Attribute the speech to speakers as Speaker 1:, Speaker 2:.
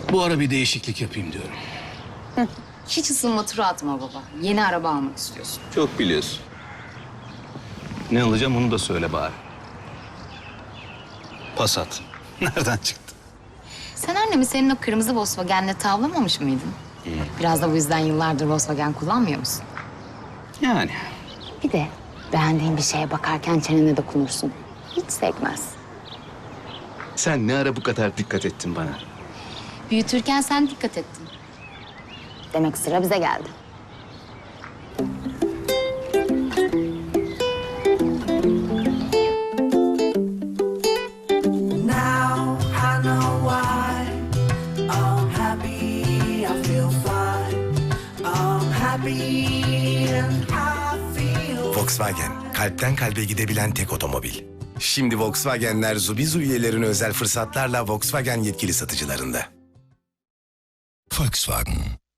Speaker 1: Bu ara bir değişiklik yapayım diyorum.
Speaker 2: Hiç ısınma turu atma baba. Yeni araba almak istiyorsun.
Speaker 1: Çok biliyorsun. Ne alacağım onu da söyle bari. Passat. Nereden çıktı?
Speaker 2: Sen annemi senin o kırmızı Volkswagen'le tavlamamış mıydın? Biraz da bu yüzden yıllardır Volkswagen kullanmıyor musun?
Speaker 1: Yani.
Speaker 2: Bir de beğendiğin bir şeye bakarken çenene dokunursun. Hiç sekmez.
Speaker 1: Sen ne ara bu kadar dikkat ettin bana?
Speaker 2: Büyütürken sen dikkat ettin. Demek sıra bize geldi.
Speaker 3: Now I know why I'm happy, I feel fine. I'm happy and I feel
Speaker 4: Volkswagen, kalpten kalbe gidebilen tek otomobil. Şimdi Volkswagenler Zubizu üyelerine özel fırsatlarla Volkswagen yetkili satıcılarında. Volkswagen.